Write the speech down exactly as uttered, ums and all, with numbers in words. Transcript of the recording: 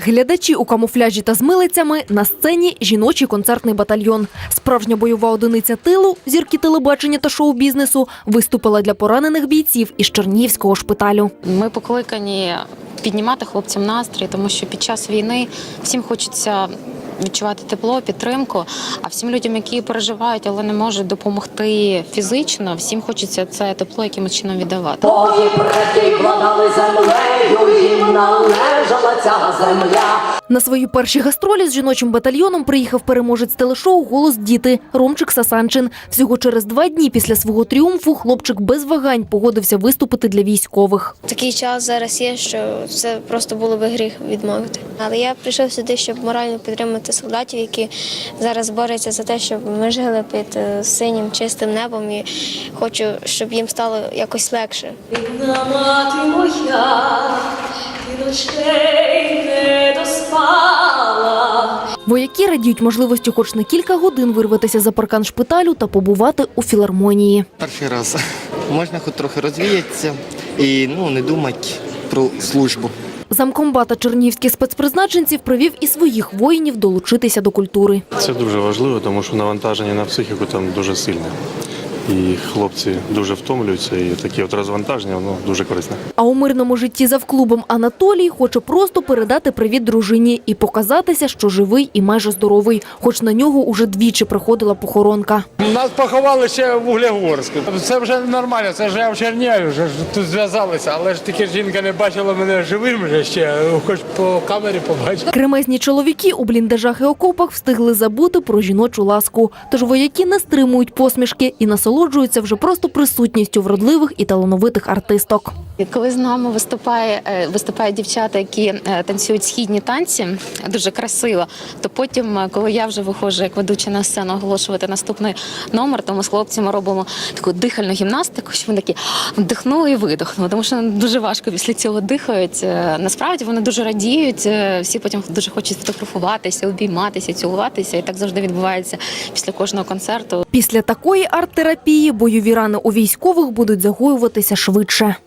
Глядачі у камуфляжі та з милицями, на сцені жіночий концертний батальйон. Справжня бойова одиниця тилу, зірки телебачення та шоу-бізнесу, виступила для поранених бійців із Чернігівського шпиталю. Ми покликані піднімати хлопцям настрій, тому що під час війни всім хочеться відчувати тепло, підтримку, а всім людям, які переживають, але не можуть допомогти фізично, всім хочеться це тепло якимось чином віддавати. Твої предки владали землею, їм належала ця земля. На свої перші гастролі з жіночим батальйоном приїхав переможець телешоу «Голос діти» Ромчик Сасанчин. Всього через два дні після свого тріумфу хлопчик без вагань погодився виступити для військових. Такий час зараз є, що це просто було би гріх відмовити. Але я прийшов сюди, щоб морально підтримати солдатів, які зараз борються за те, щоб ми жили під синім, чистим небом, і хочу, щоб їм стало якось легше. Рідна мати моя, ти ночей не доспала. Вояки радіють можливості хоч на кілька годин вирватися за паркан шпиталю та побувати у філармонії. Перший раз можна хоч трохи розвіятися і ну, не думати про службу. Замкомбата чернігівських спецпризначенців привів і своїх воїнів долучитися до культури. Це дуже важливо, тому що навантаження на психіку там дуже сильне. І хлопці дуже втомлюються, і таке от розвантаження, воно дуже корисне. А у мирному житті завклубом Анатолій хоче просто передати привіт дружині і показатися, що живий і майже здоровий, хоч на нього уже двічі приходила похоронка. Нас поховали ще в Углегорську. Це вже нормально, це ж я в Чернігові, вже тут зв'язалися, але ж таки жінка не бачила мене живим вже ще, хоч по камері побачила. Кремезні чоловіки у бліндажах і окопах встигли забути про жіночу ласку. Тож вояки не стримують посмішки і насолоджуються вже просто присутністю вродливих і талановитих артисток. Коли з нами виступає, виступають дівчата, які танцюють східні танці, дуже красиво, то потім, коли я вже виходжу як ведуча на сцену оголошувати наступний номер, то ми з хлопцями робимо таку дихальну гімнастику, що вони такі вдихнули і видихнули, тому що дуже важко після цього дихають. Насправді вони дуже радіють, всі потім дуже хочуть фотографуватися, обійматися, цілуватися, і так завжди відбувається після кожного концерту. Після такої арт-терапії бойові рани у військових будуть загоюватися швидше.